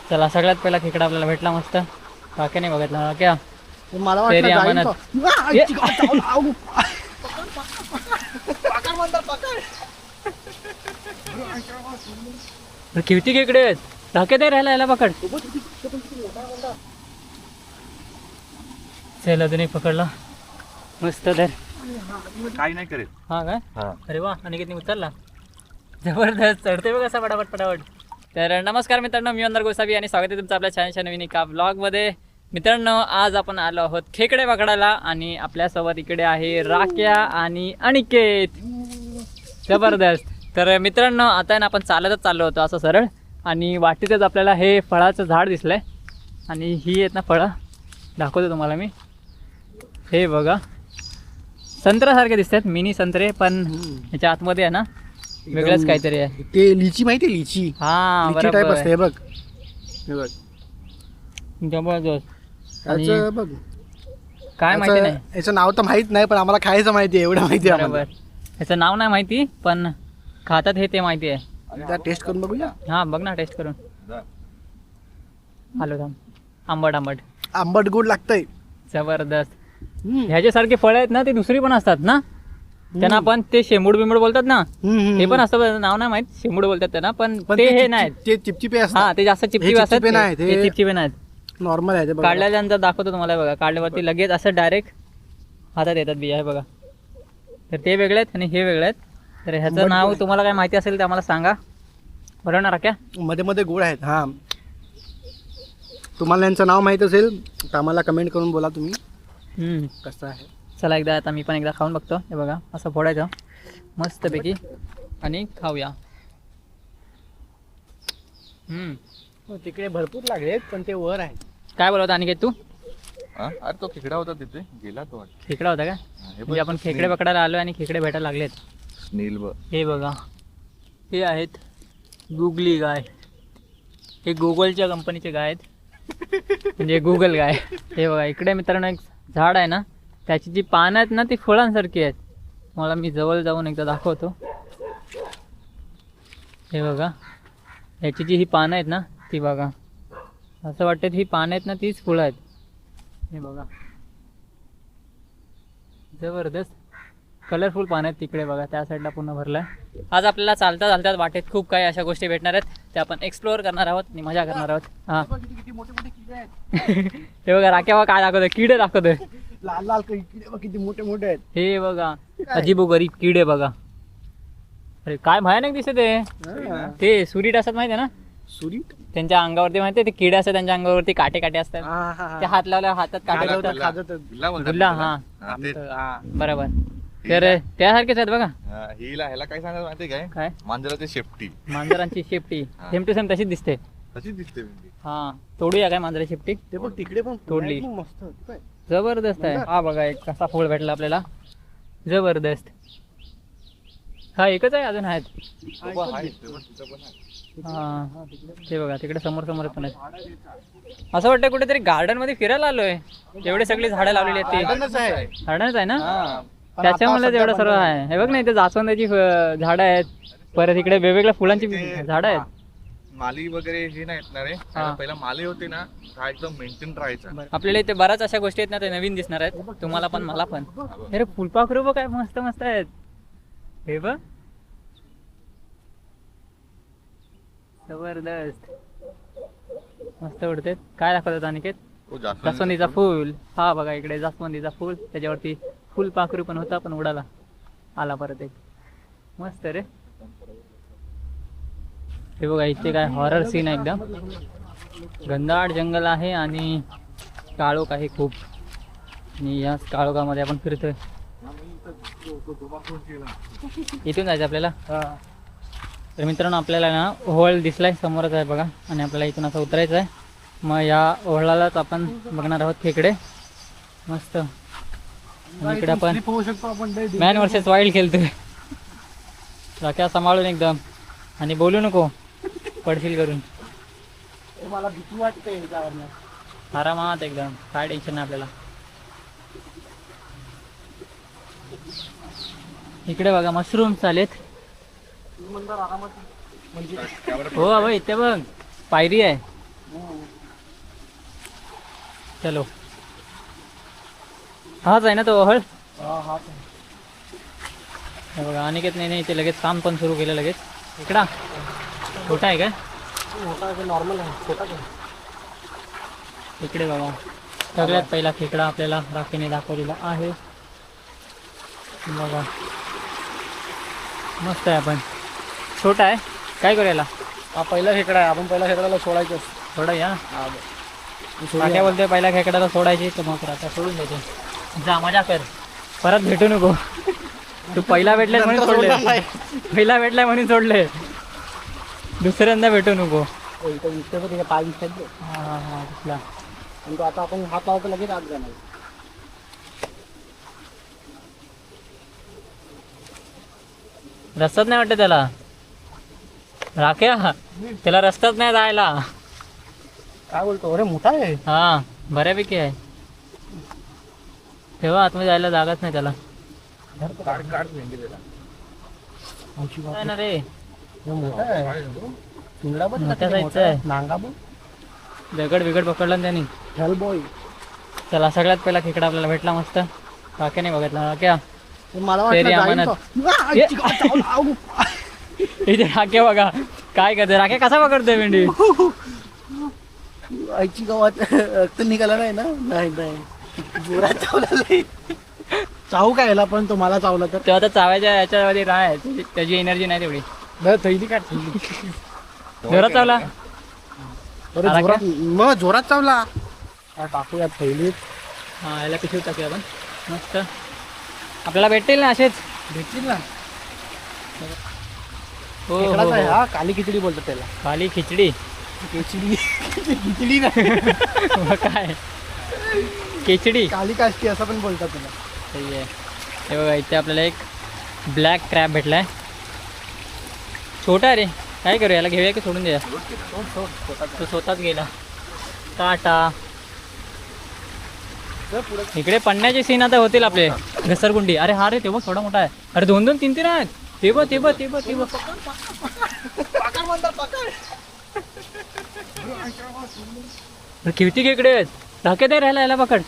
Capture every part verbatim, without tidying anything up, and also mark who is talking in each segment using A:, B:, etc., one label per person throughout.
A: चला सगळ्यात पहिला खेकडा आपल्याला भेटला मस्त. बाकी नाही बघितला क्या
B: मला
A: तेरी अमानत. किती खेकडे आहेत धाके दे राहिला याला पकड. चल अजून एक पकडला मस्त तर
C: काही नाही करेल.
A: हा काय
C: हा
A: अरे वा आणि किती उचलला जबरदस्त चढते बघ असा पटापट पटापट. तर नमस्कार मित्रांनो, मी अंदर गोसावी आणि स्वागत आहे तुमचं आपल्या छानशा नवीन एका व्लॉगमध्ये. मित्रांनो आज आपण आलो आहोत खेकडे पकडायला आणि आपल्यासोबत इकडे आहे राक्या आणि अनिकेत. जबरदस्त. तर मित्रांनो आता आहे ना आपण चालतच चाललो होतो असं सरळ आणि वाटेतच आपल्याला हे फळाचं झाड दिसलंय आणि ही आहेत ना फळं दाखवतो तुम्हाला मी. हे बघा संत्र्यासारखे दिसतात मिनी संत्रे पण ह्याच्या आतमध्ये आहे ना वेगळंच काहीतरी आहे.
B: ते लिची माहिती आहे लिची
A: हा
B: लिची टाईप
A: बरोबर
B: असते हे बघ हे बघ
A: जबरदस्त.
B: याचं बघ
A: काय माहिती नाही
B: याचं- याचं नाव तर माहित नाही पण आम्हाला खायचं माहिती आहे एवढं माहिती आहे
A: बरोबर.
B: आम्हाला.
A: ह्याचं नाव नाही माहिती पण खातात हे ते माहिती आहे.
B: एकदा टेस्ट करून बघूया.
A: हा बघ ना टेस्ट करून. हॅलो थांब. आंबट आंबट
B: आंबट गोड लागतंय.
A: जबरदस्त.
B: हम्म.
A: ह्याच्यासारखे फळं आहेत ना ते दुसरी पण असतात ना त्यांना पण ते शेंबूड बिंबूड बोलतात ना
B: हम्म, हम्म,
A: ते पण असतं नाव नाही माहित शेंबूड बोलतात त्यांना पण
B: पण
A: ते हे
B: चिप-
A: नाहीत.
B: ते चिपचिपे
A: हा
B: असतात
A: ते जास्त चिपचिप
B: हे
A: असतात.
B: चिपचिपे नाहीत,
A: ते
B: हे-
A: चिपचिपे नाहीत.
B: नॉर्मल आहे ते बघा.
A: काढल्यानंतर दाखवतो तुम्हाला बघा. काढल्यावरती लगेच असं डायरेक्ट हातात येतात बिया. हे बघा तर ते वेगळे आहेत आणि हे वेगळे आहेत. तर ह्याचं
B: आंबट
A: नाव
B: गोड.
A: तुम्हाला काय माहिती असेल ते आम्हाला सांगा. बरोबर ना राख्या?
B: मध्ये मध्ये गोड आहेत. हा तुम्हाला यांचं नाव माहित असेल तर आम्हाला कमेंट करून बोला तुम्ही
A: हम्म.
B: कसं आहे.
A: चला एकदा आता मी पण एकदा खाऊन बघतो. हे बघा असं फोडायचं मस्तपैकी आणि खाऊया. हम्म.
B: हो, तिकडे भरपूर लागलेत पण ते वर आहे.
A: काय बोलवत अनिकेत तू?
C: हा? अरे तो खेकडा होता तिथे गेला तो वाटतं.
A: खेकडा होता का?
C: हा, हे बघ,
A: म्हणजे आपण खेकडे पकडायला आलो आणि खेकडे भेटायला लागलेत.
C: नील बघ.
A: हे बघा हे आहेत गुगली गाय. हे गुगलच्या कंपनीचे गाय आहेत म्हणजे गुगल गाय. हे बघा इकडे मित्रांनो एक झाड आहे ना त्याची जी पानं आहेत ना ती फळांसारखी आहेत. मला मी जवळ जाऊन एकदा दाखवतो. हे बघा ह्याची जी ही पानं आहेत ना ती बघा असं वाटतं ही पानं आहेत ना तीच फुलं आहेत. हे बघा जबरदस्त कलरफुल पानं आहेत तिकडे बघा त्या साईडला पूर्ण भरलं आहे. आज आपल्याला चालता चालता वाटेत खूप काही अशा गोष्टी भेटणार आहेत त्या आपण एक्सप्लोअर करणार आहोत आणि मजा करणार आहोत. हां
B: किती किती मोठे मोठे किडे आहेत.
A: हे बघा राख्या बघा काय दाखवतोय किडे दाखवतोय.
B: लाल लाल किडे बघ किती मोठे मोठे आहेत.
A: हे बघा अजीबो गरीब किडे बघा. अरे काय भयानक दिसत आहे.
B: हा.
A: ते सुरीट असतात माहिती आहे ना
B: सुरी
A: त्यांच्या अंगावरती माहिती आहे ते किडे असतात त्यांच्या अंगावरती काटे काटे असतात.
B: हा, हा, हा.
A: ते हात लावल्यावर हातात काटे
B: खाजवतात,
A: लागतात.
B: खाजवतात.
C: गुल्ला बोलतात
A: गुल्ला
C: त्याला.
A: हा
C: हा, ते-
B: हा.
A: बरोबर. तर त्यासारखेच आहेत बघा.
C: हा, हिला ह्याला काय सांगायचं माहिती काय
A: काय
C: मांजराची शेपटी
A: मांजरांची शेपटी
C: हा.
A: सेम टू सेम तशीच दिसते.
C: तशीच दिसते म्हणजे.
A: हा तोडूया काय मांजरा शेपटी.
B: ते बघ तिकडे पण
A: तोडली.
B: फुलं आहेत मस्त. काय?
A: जबरदस्त आहे. हा बघा एक कसा फूल भेटला आपल्याला. जबरदस्त. हा एकच आहे अजून आहेत.
B: हा,
C: तो पण
B: एकच
C: आहे,
B: दिसतो.
C: तो पण- तिथं पण आहे.
A: हा ते बघा तिकडे समोर समोर पण आहेत. असं वाटतं कुठेतरी गार्डन मध्ये फिरायला आलोय. एवढे सगळी झाडं लावलेली आहेत ती
B: गार्डनच आहे.
A: गार्डनच आहे ना
B: हा. पण
A: त्याच्यामुळे
B: आता
A: एवढं
B: सध्या
A: सर्व
B: बंद
A: आहे. हे बघ ना इथे जास्वंदाची फ- झाडं आहेत. परत इकडे वेगवेगळ्या फुलांची
C: ते-
A: झाडं आहेत.
C: माली वगैरे हे नाही येणार आहे.
A: हा.
C: पहिला माली होते ना हा एकदम मेंटेन राहायचा.
A: आपल्याला इथे बऱ्याच अशा गोष्टी आहेत ना ते नवीन दिसणार आहेत तुम्हाला पण मला पण. अरे फुलपाखरू बघ काय मस्त मस्त आहेत. हे बघ जबरदस्त मस्त उडते. काय दाखवतात अनिकेत?
C: तो जास्वंदीचा
A: जास्वंदीचा
C: फुल.
A: फूल. हा बघा इकडे जास्वंदीचा फूल त्याच्यावरती फुलपाखरू पण होता पण उडाला आला परत एक. मस्त रे. हे बघा इथे काय हॉरर सीन आहे एकदम. घनदाट जंगल आहे आणि काळोख आहे खूप आणि या काळोखामध्ये आपण फिरतोय. इथून जायचं आपल्याला.
B: हा.
A: तर मित्रांनो आपल्याला ना ओहळ दिसलाय समोरच आहे बघा आणि आपल्याला इथून असं उतरायचं आहे. मग या ओहळालाच आपण बघणार आहोत खेकडे मस्त. आणि इकडे आपण
B: Slip होऊ शकतो आपण लय deep.
A: मॅन वर्सेस वाईल्ड खेळतोय. राख्या सांभाळून एकदम आणि बोलू नको पडशील करून.
B: ते मला भीती वाटते याच्यावरनं.
A: आरामात एकदम काय टेन्शन नाही आपल्याला. इकडे बघा मशरूम्स आलेत.
B: तू म्हणणार आरामात म्हणजे
A: हो बाबा इथे बघ पायरी आहे. चलो हाच आहे ना तो ओहळ.
B: हा हा
A: हे बघा अनिकेत नाही इथे लगेच काम पण सुरू केलं लगेच. इकडा छोटा आहे काय?
B: मोठा नॉर्मल आहे छोटा काय?
A: इकडे बघा सगळ्यात पहिला खेकडा आपल्याला राखीने दाखवलेला आहे. बघा मस्त आहे. आपण छोटा आहे काय करूया?
B: हा पहिला खेकडा आहे. आपण पहिला खेकड्याला सोडायचं.
A: थोडा या
B: हा
A: काय बोलतोय पहिल्या खेकड्याला सोडायची तर मग आता सोडून देते. जा मजा कर परत भेटू नको. तू पहिला भेटलाय म्हणून सोडले. पहिला भेटलाय म्हणून सोडले दुसऱ्यांदा भेटू नको.
B: इथे पाय दिसतात.
A: हा हा हा दिसला.
B: आणि तो आता आपण हात लावतो लगेच आत जाणार.
A: रस्ताच नाही वाटत त्याला. राख्या त्याला रस्ताच नाही जायला.
B: काय बोलतो? अरे मोठा आहे.
A: हा बऱ्यापैकी आहे. तेव्हा आतमध्ये जायला जागाच नाही त्याला.
C: काढ काढ भेंडी त्याला.
A: काय ना रे
B: मोठा आहे. पिंगडा पण
A: मोठ्या साईजचा आहे.
B: नांगा पण
A: दगड बिगड पकडला ना त्यांनी.
B: Hell boy.
A: चला सगळ्यात पहिला खेकडा आपल्याला भेटला मस्त. राख्या नाही बघितला. राख्या
B: मला
A: तेरी
B: वाटलं जाईल
A: अमानत.
B: तो. आ, आईची गाव चावला. आऊ.
A: इथे राख्या बघा काय करते. राख्या कसा पकडतोय भेंडी.
B: आईची गावात रक्त निघाला नाही ना. नाही नाही जोरात चावला नाही. चावू काय याला पण तो मला चावला तर
A: तेव्हा तर चावायच्या याच्यामध्ये राय त्याची एनर्जी नाही तेवढी.
B: थैली काढ. थैली.
A: जोरात चावला.
B: अरे
A: आला
B: जोरात मग जोरात चावला. हा, टाकूया थैलीत.
A: हा याला पिशवी टाकूया आपण मस्त. आपल्याला भेटतील ना असेच.
B: भेटतील ना.
A: हो
B: खेकडाच आहे
A: हो
B: हा. काली खिचडी बोलतात त्याला.
A: खाली खिचडी.
B: खिचडी खिचडी नाही.
A: मग काय खिचडी.
B: काली काष्टी असं पण बोलतात त्याला.
A: सही आहे. हे बघा इथे आपल्याला एक ब्लॅक क्रॅब भेटलाय. छोटा आहे रे. काय करूया याला घेऊया की सोडून द्या. तो स्वतःच गेला. टाटा. इकडे पडण्याचे सीन आता होतील आपले. घसरगुंडी. अरे हा रे ते बघ थोडा मोठा आहे. अरे दोन दोन तीन तीन आहेत. ते बघ ते बघ ते बघ ते बघ. किती खेकडे आहेत. धाके दे राहिला याला पकड.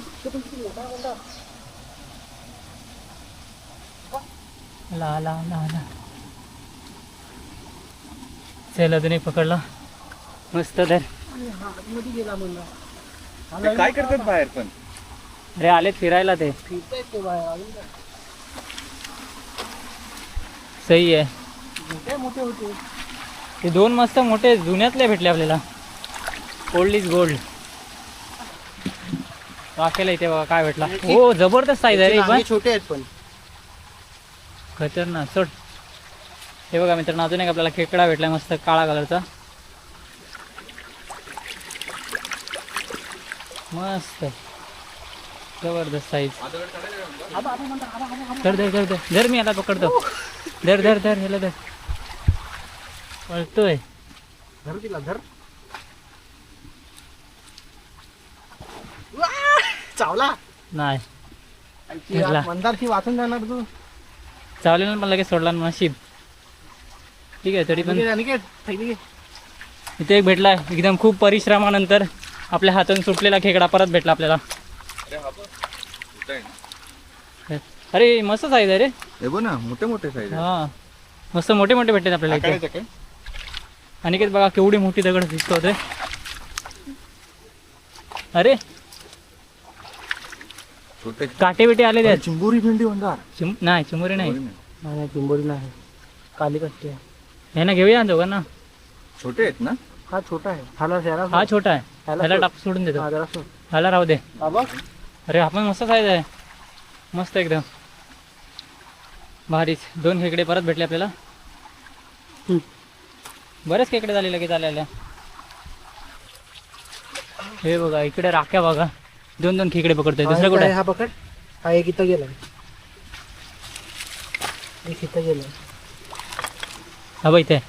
A: ला ला ला ला. चल अजून एक पकडला मस्त. धर.
C: ते काय करतात बाहेर पण.
A: अरे आलेत फिरायला ते.
B: फिरतायत ते बाहेर. अजून काय?
A: सही आहे.
B: मोठे मोठे होते.
A: ते दोन मस्त मोठे जुन्यातले भेटले आपल्याला. Old is gold. वाकेला इथे बघा काय भेटला. हो जबरदस्त साईज आहे रे.
B: नांगे
A: पण
B: छोटे आहेत पण.
A: खतरनाक. सोड. हे बघा मित्रांनो अजून एक आपल्याला खेकडा भेटला मस्त काळा कलरचा. मस्त जबरदस्त साईज. धर धर धर धर धर. मी याला पकडतो. धर धर धर ह्याला धर. पळतोय.
B: धर तिला धर. चावला
A: नाही
B: ती
A: धरला.
B: मंदारची वाचून जाणार तू.
A: चावलेला पण लगेच सोडला ना नशीब. ठीक आहे तरी पण
B: अनिकेत थैली घे.
A: इथे एक भेटलाय एकदम खूप परिश्रमानंतर आपल्या हातून सुटलेला खेकडा परत भेटला आपल्याला.
C: अरे हा बघ. छोटा आहे ना.
A: अरे मस्त साईज आहे रे.
C: हे बघ ना मोठे मोठे साईज आहे.
A: हा मस्त मोठे मोठे भेटतात आपल्याला इथे.
C: आकाराचे काय?
A: अनिकेत बघा केवढी मोठी दगड दिसतो होते. अरे
C: छोटे
A: काटे बिटे आले त्यात.
C: चिंबोरी भेंडी म्हणतात.
A: चिम नाही चिमुरी नाही.
B: नाही चिंबोरी नाही. काली कष्टी आहे.
A: हे ना घेऊया ना दोघांना.
C: छोटे आहेत ना.
B: हा छोटा आहे. हाला जरा
A: हा छोटा आहे.
B: ह्याला
A: ह्याला
B: सोड.
A: टाक सोडून देतो.
B: हा जरा सोड.
A: ह्याला राहू दे.
B: हा बघ.
A: अरे आपण मस्त साईज आहे. मस्त एकदम भारीच. दोन खेकडे परत भेटले आपल्याला.
B: हम्म.
A: बरेच खेकडे झाले लगेच आलेल्या. हे बघा इकडे राख्या बघा. दोन दोन खेकडे पकडतोय.
B: हा
A: दुसरं
B: एक
A: कुठे
B: आहे,
A: आहे?
B: हा पकड. हा एक इथं गेलाय. एक इथं गेलाय.
A: हा बघ इथे.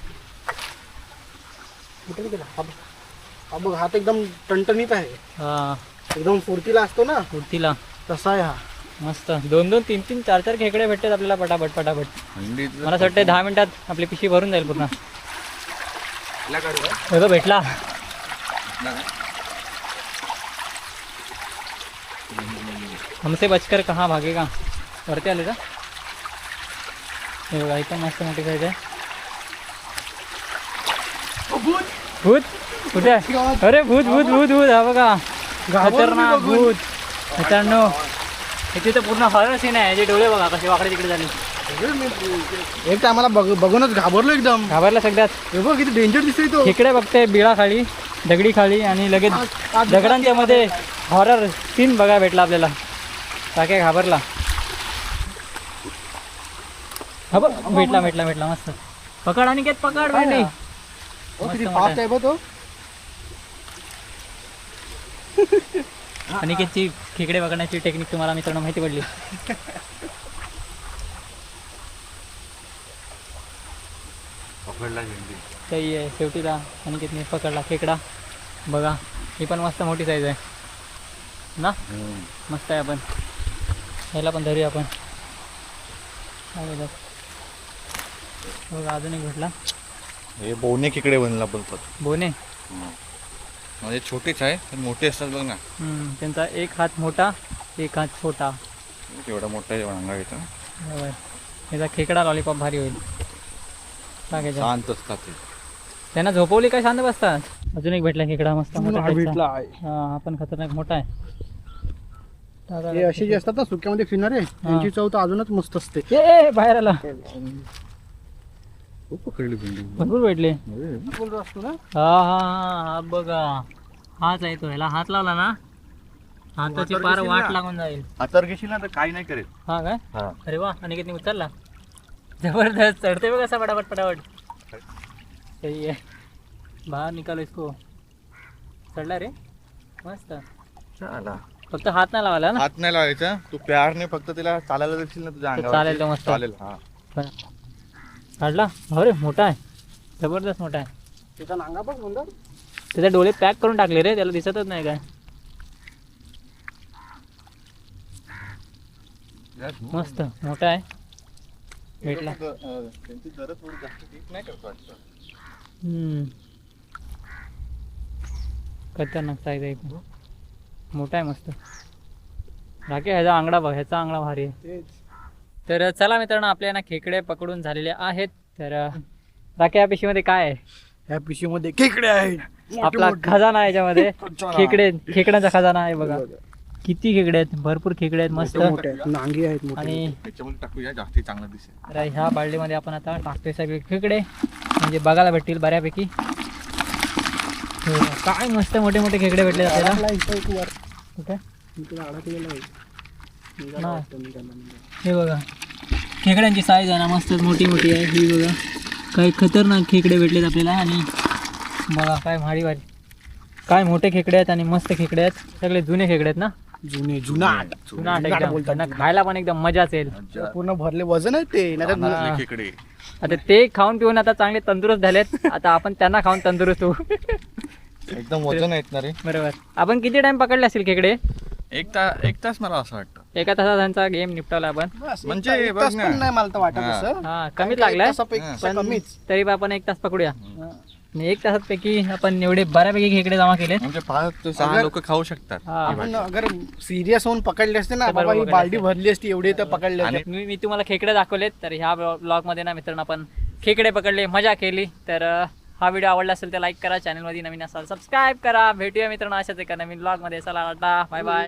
B: कुठे गेला? हा बघ. हा बघ हात एकदम टणटणीत आहे.
A: हा
B: एकदम फुर्तीला असतो ना
A: कुर्तीला.
B: तसा आहे हा.
A: मस्त दोन दोन तीन तीन चार चार खेकडे भेटतात आपल्याला पटापट पटापट.
C: थंडीत
A: मला असं वाटतं दहा मिनिटात आपली पिशवी भरून जाईल पूर्ण.
C: काढू का?
A: हे बघ भेटला.
C: नाही.
A: हमसे बचकर कहाँ भागेगा. वरती आले का हे बघा इथं मस्त मोठी साईज आहे. भूत कुठे आहे? अरे भूत भूत भूत भूत हा बघा खतरनाक भूत. मित्रांनो इथे तर पूर्ण हॉरर सीन आहे. याचे डोळे बघा कसे वाकडे तिकडे झाले.
B: एक टायमाला बघ बघूनच घाबरलो एकदम.
A: घाबरला सगळ्यात.
B: हे बघ किती डेंजर दिसतोय तो.
A: इकडे बघते बिळा खाली दगडी खाली आणि लगेच दगडांच्या मध्ये हॉरर सीन बघा भेटला आपल्याला. काय घाबरला. हा बघ भेटला भेटला भेटला मस्त. पकड आणि घेत पकड भेटली.
B: किती फास्ट आहे बघ तो.
A: अनिकेतची खेकडे पकडण्याची टेक्निक तुम्हाला मित्रांनो माहिती पडली.
C: पकडला झेंडी.
A: काही आहे शेवटीला अनिकेतने पकडला खेकडा. बघा ही पण मस्त मोठी साईज आहे ना. मस्त आहे. आपण ह्याला पण धरूया आपण. बघा अजून एक भेटला.
C: हे बोने खेकडे बनला बोलतात.
A: बोने
C: म्हणजे छोटेच आहे पण मोठे असतात बघ ना.
A: हम्म, त्यांचा एक हात मोठा एक हात छोटा.
C: एवढा मोठा अंगा घेतो.
A: बरोबर. याचा खेकडा लॉलीपॉप भारी होईल. टाकायचा.
C: शांत असतात ते.
A: त्यांना झोपवली काय शांत बसतात. अजून एक भेटला खेकडा मस्त मोठा
B: हा भेटला आहे.
A: हा हा पण खतरनाक मोठा आहे. टाका.
B: हे असे जे असतात ना सुक्यामध्ये फिरणारे त्यांची चव तर अजूनच मस्त असते.
A: ए, ए बाहेर आला.
C: खूप पकडली भेंडी.
A: भरपूर भेटले.
B: बोलतो असतो ना.
A: हा हा हा हा बघा हाच आहे तो. ह्याला हात लावला ना हाताची पार वाट लागून जाईल.
C: हातावर घेशील ना तर काही नाही करेल.
A: हा काय.
C: हा.
A: अरे वा अनिकेतने उचलला. जबरदस्त चढते बघ असा पटापट पटापट. सही आहे. बाहेर निकालो इसको. चढला रे मस्त.
C: चला.
A: फक्त हात नाही लावायला ना.
C: हात नाही लावायचा. तू प्यारने फक्त तिला चालायला देशील ना तुझ्या
A: तर
C: अंगावर.
A: चालेल तो मस्त.
C: चालेल. हा.
A: काढला. अरे मोठा आहे. जबरदस्त मोठा आहे.
B: त्याचा नांगा बघ म्हणतात.
A: त्याचे डोळे पॅक करून टाकले रे. त्याला दिसतच नाही काय. मस्त मोठा आहे. भेटला.
C: त्यांची जरा थोडी जास्त ठीक नाही करतो वाटतं.
A: हम्म. खतरनाक साईज आहे. पण मोठा आहे मस्त. राखे ह्याचा आंगडा बघ. ह्याचा आंगडा भारी आहे. तर चला मित्रांनो आपल्या ना खेकडे पकडून झालेले आहेत. तर राखे या पिशवीमध्ये काय आहे.
B: या पिशवीमध्ये खेकडे आहेत.
A: आपला खजाना आहे याच्यामध्ये. खेकडे खेकड्यांचा खजाना आहे बघा. किती खेकडे आहेत. भरपूर खेकडे आहेत मस्त.
B: मोठे आहेत. नांगी आहेत मोठे.
A: आणि
C: त्याच्यामध्ये टाकूया जास्ती चांगलं दिसेल.
A: तर ह्या बाल्डीमध्ये आपण आता टाकतोय सगळे खेकडे म्हणजे बघायला भेटतील बऱ्यापैकी. काय मस्त मोठे मोठे खेकडे भेटले आपल्याला.
B: आपला इथं एक वर
A: कुठे
B: इकडे अडकलेला आहे. निघाला
A: हा.
B: वाटतं निघाला, निघाला.
A: हे बघा खेकड्यांची साईज आहे ना मस्त मोठी मोठी आहे. ही बघा काही खतरनाक खेकडे भेटलेत आपल्याला. आणि बघा काय भारी भारी काय मोठे खेकडे आहेत आणि मस्त खेकडे आहेत. सगळे जुने खेकडे आहेत ना.
B: जुने जुनाट
A: जुनाट
B: जुनाट
A: एकदम.
B: बोलतात.
A: त्यांना खायला पण एकदम मजाच येईल.
B: पूर्ण भरले वजन आहे ते नाही तर
A: हा.
C: खेकडे.
A: आता ते खाऊन पिऊन आता चांगले तंदुरुस्त झालेत. आता आपण त्यांना खाऊन तंदुरुस्त होऊ.
C: एकदम वजन आहेत ना रे.
A: बरोबर. आपण किती टाइम पकडले असतील खेकडे.
C: एक तास एक तास मला असं वाटतं.
A: एका तासात त्यांचा गेम निपटवला आपण.
B: बस,
C: म्हणजे
B: एक
C: बघ
B: तास
C: ना.
B: पण नाही मला तर वाटत
C: हा.
B: असं.
A: हा कमीच लागलाय.
B: एक तासापेक्षा
A: पण
B: कमीच.
A: तरी पण आपण एक तास पकडूया. आणि एक तासात पैकी आपण एवढे बऱ्यापैकी खेकडे जमा केले.
C: म्हणजे पाच ते सहा
B: अगर-
C: लोक खाऊ शकतात.
A: हा.
B: आपण अगर सिरियस होऊन पकडले असते ना
A: तर
B: बाबा
A: बरोबर
B: ही
A: पकडले
B: बालडी
A: असते.
B: भरली असती एवढी तर पकडले
C: आणि
B: असते.
A: मी मी तुम्हाला खेकडे दाखवलेत. तर ह्या ब्लॉग मध्ये ना मित्रांनो आपण खेकडे पकडले मजा केली. तर अं, हा व्हिडिओ आवडला असेल तर लाईक करा. चॅनलमध्ये नवीन असाल सबस्क्राईब करा. भेटूया मित्रांनो अशाच एका नवीन ब्लॉग मध्ये. चला टाटा बाय बाय.